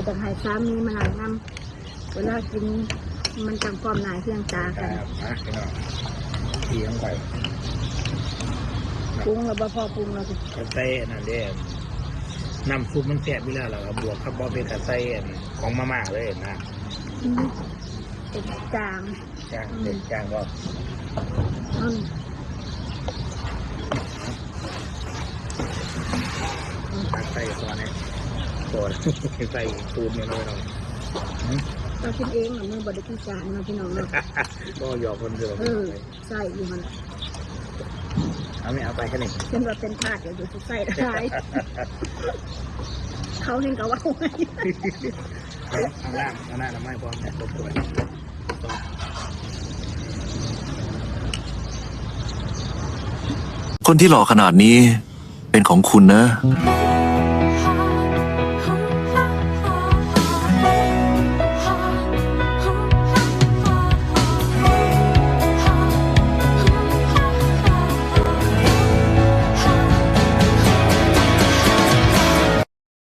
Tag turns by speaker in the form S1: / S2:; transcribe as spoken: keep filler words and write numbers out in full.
S1: จะให้สามีมาหลังน้ำเวลากินมันจังความหนายเพียงตา
S2: ค
S1: กั
S2: รั
S1: น
S2: บนะพี่น้องทีลงไป
S1: ปรุงแล้วบ่พอปรุงเราจะ
S2: กระใส่นั่นเด้น้ำซุปมันแซ่บอยู่แล้วเราบวกกับบอเป็นกระใส่ของมาม่าเลยนะ
S1: เป็นจาง
S2: จ้างเด็กจ้างก็
S1: อืม
S2: ตักใส่ตัวนี้ตัวใส่ตูนเนี่ยน้อยน้อย
S1: เราคิดเองเหมือนมือบริการจานเราพี่น้องเนาะ
S2: ก็หยอกคนเดียว
S1: เออใส่อยู่มัน
S2: เอาไม่เอาไปแค่นี้
S1: เช่นว่าเป็นถาดเดี๋ยวอยู่ใส่ได้เขาเห็นกับว่าไง
S2: เอาล่างเอาหน้าทำไมพร้อมเนี่ยตบตัว
S3: คนที่หล่อขนาดนี้เป็นของคุณนะ